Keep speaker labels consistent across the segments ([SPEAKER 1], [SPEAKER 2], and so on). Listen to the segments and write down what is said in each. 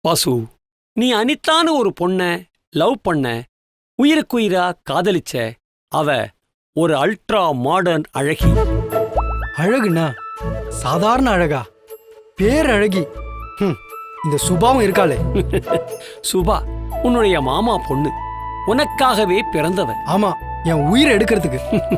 [SPEAKER 1] வாசு, நீ அனிதான்னு ஒரு பொண்ண லவ் பண்ண, உயிருக்குயிரா காதலிச்ச. அவ ஒரு அல்ட்ரா மாடர்ன் அழகி.
[SPEAKER 2] அழகுண்ணா சாதாரண அழகா? பேரழகி. இந்த சுபாவும் இருக்காளே.
[SPEAKER 1] சுபா உன்னுடைய மாமா பொண்ணு, உனக்காகவே பிறந்தவ.
[SPEAKER 2] ஆமா, என் உயிரை எடுக்கிறதுக்கு.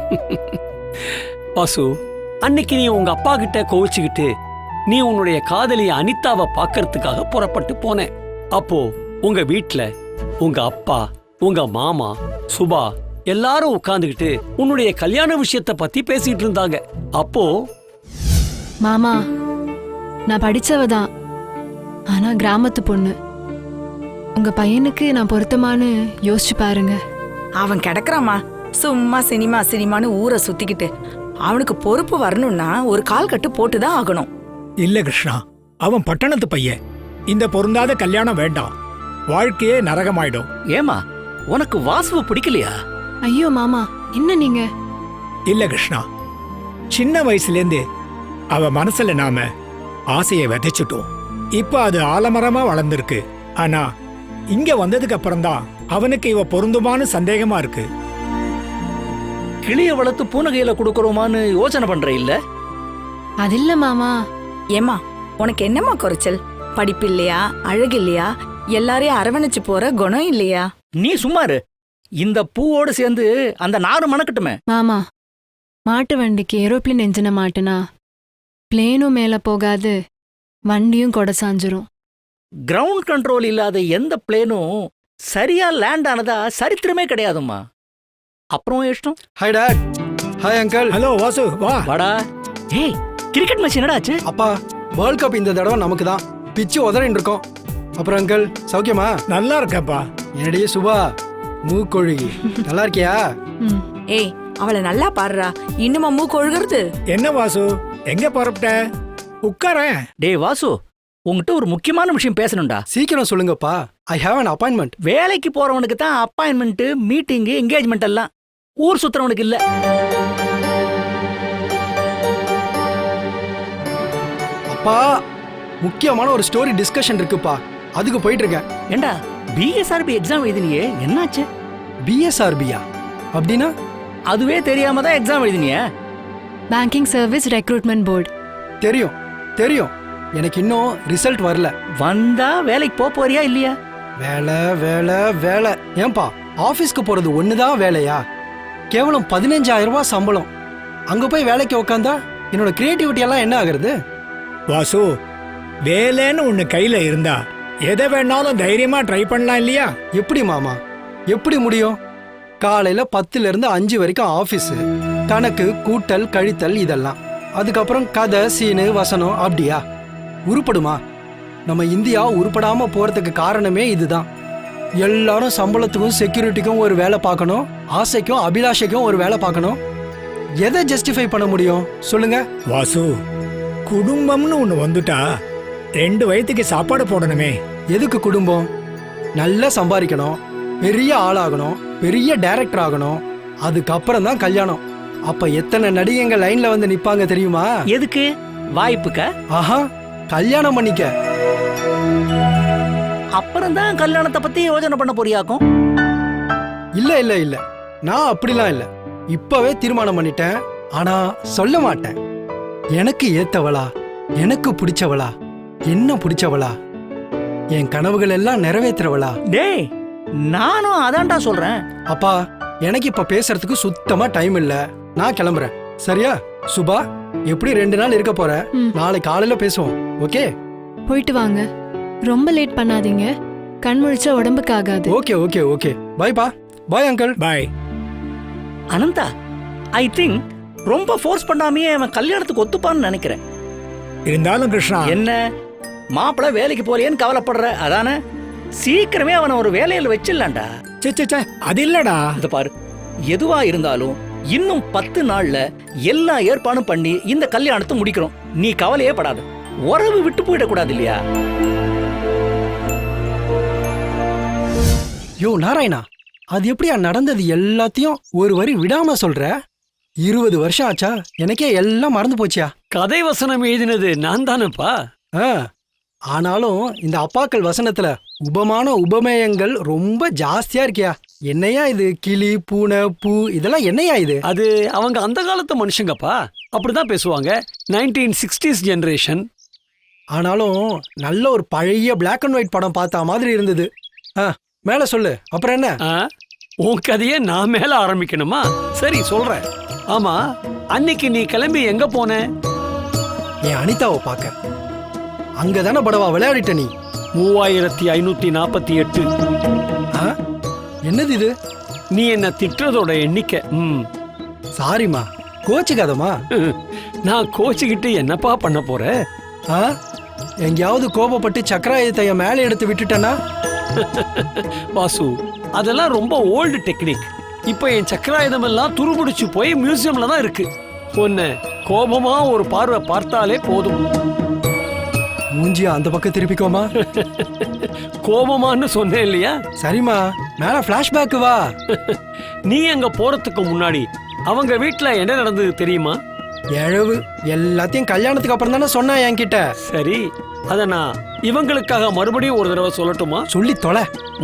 [SPEAKER 1] வாசு, அன்னைக்கு நீ உங்க அப்பா கிட்ட கோவிச்சுக்கிட்டு நீ உன்னுடைய காதலிய அனிதாவை பார்க்கறதுக்காக புறப்பட்டு போன. அப்போ உங்க வீட்ல உங்க அப்பா, உங்க மாமா, சுபா எல்லாரும் உட்கார்ந்துகிட்டு உன்னுடைய கல்யாண விஷயத்த பத்தி பேசிட்டு இருந்தாங்க. அப்போ
[SPEAKER 3] மாமா, நான் படிச்சவதான், ஆனா கிராமத்து பொண்ணு. உங்க பையனுக்கு நான் பொருத்தமானு யோசிச்சு பாருங்க.
[SPEAKER 4] அவன் கிடக்குறாமா சும்மா சினிமா சினிமான்னு ஊரை சுத்திக்கிட்டு. அவனுக்கு பொறுப்பு வரணும்னா ஒரு கால் கட்டு போட்டுதான் ஆகணும்.
[SPEAKER 5] இல்ல கிருஷ்ணா, அவன் பட்டணத்து பையன். இந்த பொருந்தாத கல்யாணம் வேண்டாம், வாழ்க்கையே நரகமாயிடும்.
[SPEAKER 6] ஏமா, உனக்கு வாசுவ பிடிக்கலையா?
[SPEAKER 3] ஐயோ மாமா, என்ன நீங்க?
[SPEAKER 5] இல்ல கிருஷ்ணா, சின்ன வயசுலேருந்து அவ மனசுல நாம ஆசையை விதைச்சிட்டோம். இப்ப அது ஆலமரமா வளர்ந்துருக்கு. ஆனா இங்க வந்ததுக்கு அப்புறம்தான் அவனுக்கு இவ பொருந்துமான்னு சந்தேகமா இருக்கு.
[SPEAKER 6] கிளிய வளர்த்து பூனகையில கொடுக்கறோமான்னு யோசனை பண்ற இல்ல?
[SPEAKER 3] அது இல்ல மாமா.
[SPEAKER 4] ஏமா, உனக்கு என்னம்மா குறைச்சல்? படிப்பு இல்லையா, அழகு இல்லையா, எல்லாரையும் அரவணைச்சு போற குணம் இல்லையா?
[SPEAKER 6] நீ சும்மாரு. இந்த பூவோடு சேர்ந்து அந்த நாறு மணக்கட்டுமே.
[SPEAKER 3] மாமா, மாட்டு வண்டிக்கு ஏரோப்ளேன் என்ஜினை மாட்டுனா பிளேனும் மேல போகாது, வண்டியும் கொடை சாஞ்சிரும்.
[SPEAKER 6] கிரவுண்ட் கண்ட்ரோல் இல்லாத எந்த பிளேனும் சரியா லேண்ட் ஆனதா சரித்திரமே கிடையாதும்மா. அப்புறம் இஷ்டம்.
[SPEAKER 2] Hi dad. Hi uncle.
[SPEAKER 5] Hello Vasu, வா.
[SPEAKER 6] வாடா. ஏய், கிரிக்கெட் மேட்ச் என்னடா ஆச்சு?
[SPEAKER 2] அப்பா, வேர்ல்ட் கப் இந்த தடவை நமக்கு தான். பிச்சு உதறின்னு இருக்கோம். அப்புறம் அங்கிள் சௌக்கியமா?
[SPEAKER 5] நல்லா இருக்கப்பா.
[SPEAKER 2] என்னடியே சுபா, மூக்கொழுகி நல்லா இருக்கியா?
[SPEAKER 4] ஏய், அவளை நல்லா பாடுறா. இன்னுமா மூக்கு ஒழுகிறது?
[SPEAKER 5] என்ன வாசு, எங்க புறப்பட்ட? உட்காரேன்.
[SPEAKER 6] டேய் வாசு, உங்ககிட்ட ஒரு முக்கியமான விஷயம் பேசணும்டா.
[SPEAKER 2] சீக்கிரம் சொல்லுங்கப்பா. I have an appointment.
[SPEAKER 6] வேலைக்கு போறவனுக்கு தான் அப்பாயின்மெண்ட், மீட்டிங், என்கேஜ்மெண்ட் எல்லாம். ஊர் சுத்துறவனுக்கு இல்ல.
[SPEAKER 2] அப்பா, முக்கியமான ஒரு ஸ்டோரி டிஸ்கஷன் இருக்குப்பா, அதுக்கு போயிட்டு இருக்கேன்.
[SPEAKER 6] ஏண்டா, பிஎஸ்ஆர்பி எக்ஸாம் எழுதினியே, என்னாச்சு?
[SPEAKER 2] பிஎஸ்ஆர்பியா அப்படின்னா?
[SPEAKER 6] அதுவே தெரியாம தான் எக்ஸாம் எழுதினியே.
[SPEAKER 3] Banking service recruitment board.
[SPEAKER 2] தெரியும் தெரியும், எனக்கு இன்னும் ரிசல்ட் வரல.
[SPEAKER 6] வந்தா வேலைக்கு போறியா இல்லையா?
[SPEAKER 2] வேலை வேலை வேலை. ஏன்பா, ஆபீஸ்க்கு போறது ஒண்ணுதான் வேலையா? கேவலம் 15,000 ரூபாய் சம்பளம். அங்க போய் வேலைக்கு உட்காந்தா என்னோட கிரியேட்டிவிட்டி எல்லாம் என்ன ஆகுறது?
[SPEAKER 5] வாசு, வேலைன்னு ஒண்ணு கையில இருந்தா எதை வேணாலும் தைரியமா ட்ரை பண்ணலாம் இல்லையா?
[SPEAKER 2] எப்படி மாமா, எப்படி முடியும்? காலையில 10ல இருந்து 5 வரைக்கும் ஆபீஸ், கணக்கு, கூட்டல், கழித்தல் இதெல்லாம். அதுக்கப்புறம் கதை, சீனு, வசனம். அப்படியா உருப்படுமா? நம்ம இந்தியா உருப்படாம போறதுக்கு காரணமே இதுதான். எல்லாரும் சம்பளத்துக்கும் செக்யூரிட்டிக்கும் ஒரு வேலை பார்க்கணும், ஆசைக்கும் அபிலாஷைக்கும் ஒரு வேலை பார்க்கணும். எதை ஜஸ்டிஃபை பண்ண முடியும் சொல்லுங்க?
[SPEAKER 5] வாசு, குடும்பம்னு ஒண்ணு வந்துட்டா 2 வயதுக்கு சாப்பாடு போடணுமே.
[SPEAKER 2] எதுக்கு குடும்பம்? நல்லா சம்பாதிக்கணும், பெரிய ஆளாகணும், பெரிய டைரக்டர் ஆகணும், அதுக்கப்புறம் தான் கல்யாணம். அப்ப எத்தனை நடிகைங்க லைன்ல வந்து நிப்பாங்க தெரியுமா?
[SPEAKER 6] எதுக்கு? வாய்ப்புக்க?
[SPEAKER 2] ஆஹா, கல்யாணம் பண்ணிக்க.
[SPEAKER 6] அப்புறம் தான் கல்யாணத்தை பத்தி யோசனை பண்ண போறியாக்கும்?
[SPEAKER 2] இல்ல இல்ல இல்ல, நான் அப்படிலாம் இல்ல. இப்பவே தீர்மானம் பண்ணிட்டேன். ஆனா சொல்ல மாட்டேன். எனக்கு ஏத்தவளா, எனக்கு பிடிச்சவளா, என்ன பிடிச்சவளா, என் கனவுகள் எல்லாம் நிறைவேற்றுறவளா.
[SPEAKER 6] டேய், நானும் அதான்டா சொல்றேன்.
[SPEAKER 2] அப்பா, எனக்கு இப்ப பேசுறதுக்கு சுத்தமா டைம் இல்ல. நான் கிளம்புறேன். சரியா சுபா? எப்படி 2 நாள் இருக்க போற? நாளை காலையில பேசுவோம். ஓகே?
[SPEAKER 3] போயிட்டு வாங்க, ரொம்ப லேட் பண்ணாதீங்க. கண் முழிச்சா உடம்புக்கு ஆகாது.
[SPEAKER 2] Okay okay okay. பை பா. Bye uncle.
[SPEAKER 5] Bye.
[SPEAKER 6] Anantha, I think ரொம்ப ஃபோர்ஸ் பண்ணாமையே அவன் கல்யாணத்துக்கு ஒத்துப்பான்னு நினைக்கிறேன்.
[SPEAKER 5] இருந்தாலும் கிருஷ்ணா,
[SPEAKER 6] என்ன மாப்பிள்ள வேலைக்கு போறியேன்னு கவலைப்படுற அதானே? சீக்கிரமே அவனை ஒரு வேலையில வச்சிடலாம்டா.
[SPEAKER 5] சே, அது இல்லடா.
[SPEAKER 6] இத பாரு, எதுவா இருந்தாலும் இன்னும் 10 நாள்ல எல்லா ஏற்பாடும் பண்ணி இந்த கல்யாணத்தை முடிக்கிறோம். நீ கவலையே படாத. உறவு விட்டு போயிடக்கூடாது இல்லையா?
[SPEAKER 2] யோ நாராயணா, அது எப்படியா நடந்தது எல்லாத்தையும் ஒரு வரி விடாம சொல்ற? 20 வருஷம் ஆச்சா? எனக்கே எல்லாம் மறந்து போச்சியா?
[SPEAKER 1] கதை வசனம் எழுதினது நான் தானப்பா.
[SPEAKER 2] ஆனாலும் இந்த அப்பாக்கள் வசனத்துல உபமான உபமேயங்கள் ரொம்ப ஜாஸ்தியா இருக்கியா. என்னையா இது கிளி பூனை பூ இதெல்லாம் என்னையா இது?
[SPEAKER 1] அது அவங்க அந்த காலத்து மனுஷங்கப்பா, அப்படிதான் பேசுவாங்க. 1960s generation.
[SPEAKER 2] ஆனாலும் நல்ல ஒரு பழைய Black and White படம் பார்த்த மாதிரி இருந்தது. மேல சொல்லு, அப்புறம் என்ன?
[SPEAKER 1] உன் கதையை நான் மேல ஆரம்பிக்கணுமா? சரி சொல்றேன். ஆமா, அன்னைக்கு நீ கிளம்பி எங்க போன?
[SPEAKER 2] என் அனிதாவை பார்க்க. அங்கதானே படவா விளையாடிட்ட நீ.
[SPEAKER 1] 3548.
[SPEAKER 2] என்னது இது?
[SPEAKER 1] நீ என்ன திட்டுறதோட எண்ணிக்கை.
[SPEAKER 2] சாரிம்மா, கோச்சுக்காதம்மா.
[SPEAKER 1] நான் கோச்சுக்கிட்டு என்னப்பா பண்ண போற?
[SPEAKER 2] எங்கேயாவது கோபப்பட்டு சக்கராயத்தைய மேலே எடுத்து விட்டுட்டேன்னா?
[SPEAKER 1] வாசு, அதெல்லாம் ரொம்ப ஓல்டு டெக்னிக். இப்ப என் சக்கராயுதம் எல்லாம் துருபிடிச்சு போய் மியூசியம்ல தான் இருக்கு. ஒன்னு கோபமா ஒரு பார்வை பார்த்தாலே போதும்.
[SPEAKER 2] மூஞ்சியா அந்த பக்கம் திருப்பிக்கோமா.
[SPEAKER 1] கோபமான்னு சொன்னேன் இல்லையா?
[SPEAKER 2] சரிம்மா, மேல பிளாஷ்பேக் வா.
[SPEAKER 1] நீ அங்க போறதுக்கு முன்னாடி அவங்க வீட்டுல என்ன நடந்தது தெரியுமா?
[SPEAKER 2] எழவு எல்லாத்தையும் கல்யாணத்துக்கு அப்புறம் தானே சொன்னா என்கிட்ட.
[SPEAKER 1] சரி, அத நான் இவங்களுக்காக மறுபடியும் ஒரு தடவை சொல்லட்டுமா?
[SPEAKER 2] சொல்லி தொலை.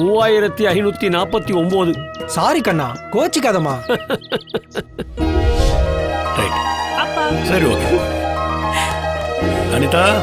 [SPEAKER 1] 3549.
[SPEAKER 2] சாரி கண்ணா, கோச்சிக்காதம்மா.
[SPEAKER 7] சரி, ஓகே. அனிதா,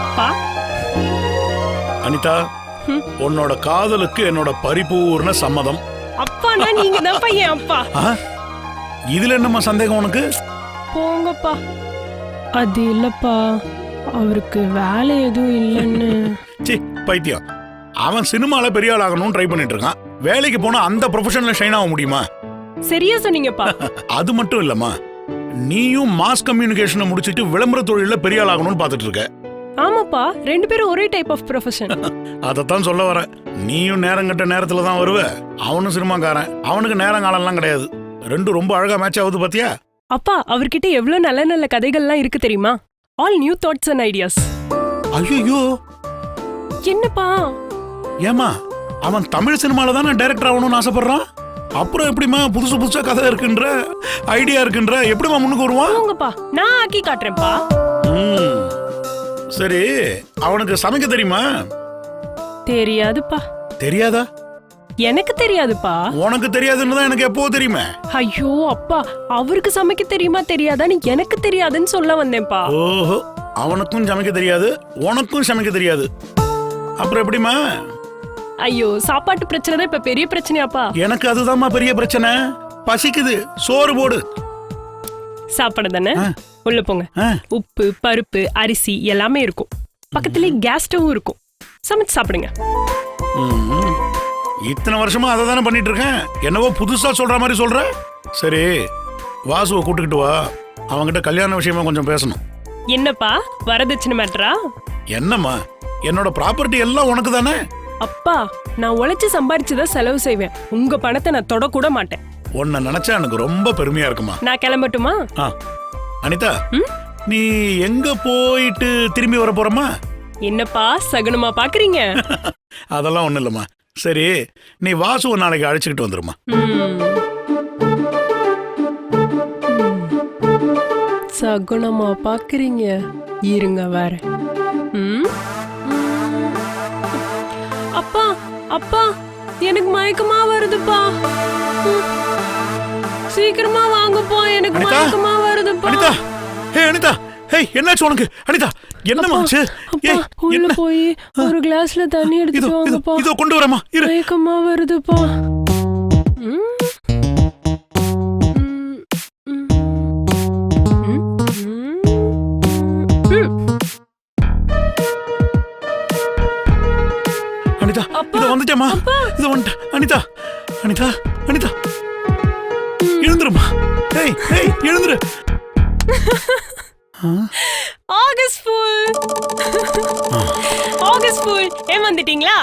[SPEAKER 7] அனிதா, உன்னோட காதலுக்கு என்னோட பரிபூர்ண சம்மதம்.
[SPEAKER 8] அப்பானா நீங்க தான் பையன் அப்பா.
[SPEAKER 7] இதுல என்னம்மா சந்தேகம் உனக்கு?
[SPEAKER 8] போங்கப்பா. அது இல்லப்பா, அவருக்கு வேலை எதுவும் இல்லைன்னு.
[SPEAKER 7] சி பைத்தியம், அவன் சினிமால பெரிய ஆள் ஆகணும்னு ட்ரை பண்ணிட்டு இருக்கான். வேலைக்கு போனா அந்த ப்ரொஃபஷன்ல ஷைன் ஆக முடியுமா?
[SPEAKER 8] சரியா சொன்னீங்கப்பா.
[SPEAKER 7] அது மட்டும் இல்லம்மா, நீயும் மாஸ் கம்யூனிகேஷனை முடிச்சிட்டு விளம்பர தொழில பெரிய ஆள் ஆகணும்னு பாத்துட்டு இருக்க.
[SPEAKER 8] ஆமாப்பா, 2 பேரும் ஒரே டைப் ஆஃப் ப்ரொஃபஷன்.
[SPEAKER 7] அதத்தான் சொல்ல வரேன். நீயும் நேரங்கட்ட நேரத்துல தான் வருவ, அவனும் சினிமாக்காரன். அவனுக்கு நேரம் காலம்லாம் கிடையாது. ரெண்டும் ரொம்ப அழகா மேட்ச் ஆகுது பாத்தியா?
[SPEAKER 8] அப்பா, அவர்கிட்ட எவ்வளவு நல்ல நல்ல கதைகள்லாம் இருக்கு தெரியுமா? All new thoughts and ideas.
[SPEAKER 7] ஐயோ,
[SPEAKER 8] என்னப்பா?
[SPEAKER 7] ஏமா, அவன் தமிழ் சினிமால தானே டைரக்டர் ஆகணும்னு ஆசைப்படுறான். அப்புறம் எப்படிமா புதுசு புதுசா கதை இருக்குன்ற ஐடியா இருக்குன்ற எப்படிமா முன்னுக்கு வருவான்?
[SPEAKER 8] போங்கப்பா, நான் ஆக்கி காட்டுறேன்ப்பா.
[SPEAKER 7] சரி, அவனுக்கு சமைக்க தெரியுமா?
[SPEAKER 8] தெரியாதுப்பா.
[SPEAKER 7] தெரியாதா?
[SPEAKER 8] எனக்கு தெரியாதுப்பா.
[SPEAKER 7] உனக்கு தெரியாதுன்னு தான் எனக்கு எப்போ தெரியுமே.
[SPEAKER 8] ஐயோ அப்பா, அவருக்கு சமைக்க தெரியுமா தெரியாதான்னு எனக்கு தெரியாதுன்னு சொல்ல வந்தேன்ப்பா.
[SPEAKER 7] ஓஹோ, அவனுக்கும் சமைக்க தெரியாது, உனக்கும் சமைக்க தெரியாது. அப்புறம் எப்படிமா?
[SPEAKER 8] ஐயோ, சாப்பாட்டு பிரச்சனை தான் இப்ப பெரிய பிரச்சனையாப்பா.
[SPEAKER 7] எனக்கு அதுதான்மா பெரிய பிரச்சனை. பசிக்குது, சோறு போடு.
[SPEAKER 8] சாப்பாடு தானே, உள்ள போங்க. உப்பு, பருப்பு, அரிசி எல்லாமே இருக்கும். பக்கத்துலயே கேஸ் ஸ்டவும் இருக்கும். சமைச்சு சாப்பிடுங்க.
[SPEAKER 7] இத்தனை வருஷமா அதை தானே பண்ணிட்டு இருக்கேன். என்னவோ புதுசா சொல்ற மாதிரி சொல்ற. சரி, வாசுவை கூட்டுக்கிட்டு வா, அவங்கிட்ட கல்யாண விஷயமா கொஞ்சம் பேசணும்.
[SPEAKER 8] என்னப்பா, வரதட்சணை மேட்டரா?
[SPEAKER 7] என்னம்மா, என்னோட ப்ராப்பர்ட்டி எல்லாம் உனக்கு தானே.
[SPEAKER 8] அப்பா, நான் உழைச்சு சம்பாரிச்சுதான் செலவு செய்வேன். உங்க பணத்தை நான் தொடக்கூட மாட்டேன்.
[SPEAKER 7] உன்னை நினைச்சா எனக்கு ரொம்ப பெருமையா இருக்குமா.
[SPEAKER 8] நான் கிளம்பட்டுமா?
[SPEAKER 7] அனிதா, நீ எங்க போயிட்டு திரும்பி வர போறமா?
[SPEAKER 8] என்னப்பா சகுனமா பாக்குறீங்க?
[SPEAKER 7] அதெல்லாம் ஒண்ணு இல்லம்மா. சரி, நீ வாசுவை நாளைக்கு அழைச்சிக்கிட்டு வந்துருமா.
[SPEAKER 8] சகுனமா பாக்குறீங்க, இருங்க வேற. அப்பா, அப்பா, எனக்கு மயக்கமா வருதுப்பா. சீக்கிரமா வாங்கப்பா, எனக்கு மயக்கமா வருதுப்பா.
[SPEAKER 7] அனிதா, ஹே அனிதா, ஹே என்னாச்சு உனக்கு? அனிதா, என்னமாச்சு?
[SPEAKER 8] உள்ள போய் ஒரு கிளாஸ்ல தண்ணி எடுத்துட்டு வாங்கப்பா.
[SPEAKER 7] இதோ கொண்டு வரமா.
[SPEAKER 8] மயக்கமா வருதுப்பா.
[SPEAKER 7] அனிதா, இதோ வந்துட்டேமா. இதோ வந்துட்டேன். அனிதா, அனிதா, அனிதா, எழுந்துருமா. ஏய் ஏய், எழுந்துரு.
[SPEAKER 8] August fool, August fool. ஏன் வந்துட்டீங்களா?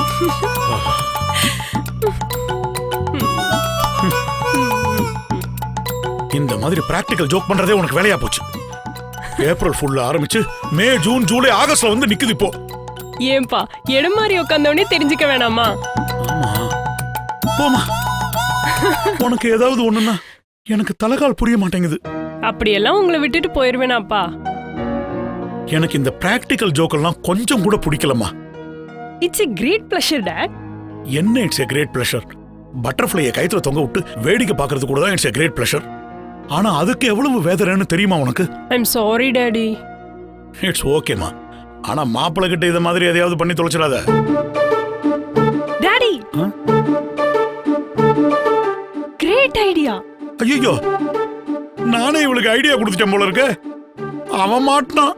[SPEAKER 7] இந்த மாதிரி பிராக்டிகல் ஜோக் பண்றதே உனக்கு வேலையா போச்சு. ஏப்ரல் ஃபுல்ல ஆரம்பிச்சு மே, ஜூன், ஜூலை, ஆகஸ்ட்ல வந்து நிக்குது இப்போ.
[SPEAKER 8] ஏன்பா, இடம் மாதிரி உட்காந்தோடனே தெரிஞ்சுக்க வேணாமா?
[SPEAKER 7] போமா, உனக்கு ஏதாவது ஒண்ணுன்னா எனக்கு தலைகால் புரிய மாட்டேங்குது.
[SPEAKER 8] அப்படியெல்லாம் உங்களை விட்டுட்டு போயிருவேனாப்பா?
[SPEAKER 7] எனக்கு இந்த பிராக்டிக்கல் ஜோக்கெல்லாம் கொஞ்சம் கூட பிடிக்கலம்மா.
[SPEAKER 8] It's a great pleasure dad.
[SPEAKER 7] என்ன இட்ஸ் எ கிரேட் பிளஷர்? பட்டர்ஃப்ளையை கயித்துல தொங்க விட்டு வேடிக்கை பார்க்கறது கூட தான் இட்ஸ் எ கிரேட் பிளஷர். ஆனா அதுக்கு எவ்வளவு வேதனைன்னு தெரியுமா உனக்கு?
[SPEAKER 8] I'm sorry daddy.
[SPEAKER 7] இட்ஸ் ஓகேமா. ஆனா மாப்பிள்ளை கிட்ட இத மாதிரி எதையாவது பண்ணி தொலைச்சிடாத.
[SPEAKER 8] Daddy, great idea.
[SPEAKER 7] ஐயோ, நானே இவளுக்கு ஐடியா கொடுத்துட்டேன் போல இருக்கு. அவன் மாட்டான்.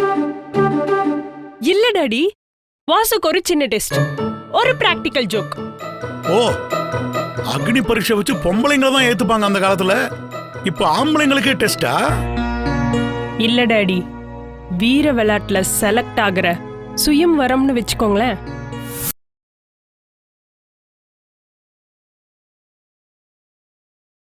[SPEAKER 8] இல்ல டாடி, வாசுக்கு ஒரு சின்ன டெஸ்ட், ஒரு பிராக்டிக்கல் ஜோக்.
[SPEAKER 7] ஓ, அக்னி பரீட்சை வச்சு பொம்பளைங்களை தான் ஏத்துப்பாங்க அந்த காலத்துல. இப்ப ஆம்பளைங்களுக்கே டெஸ்டா?
[SPEAKER 8] இல்ல டாடி, வீர விளையாட்டுல செலக்ட் ஆகுற சுயம் வரம்னு வச்சுக்கோங்களேன்.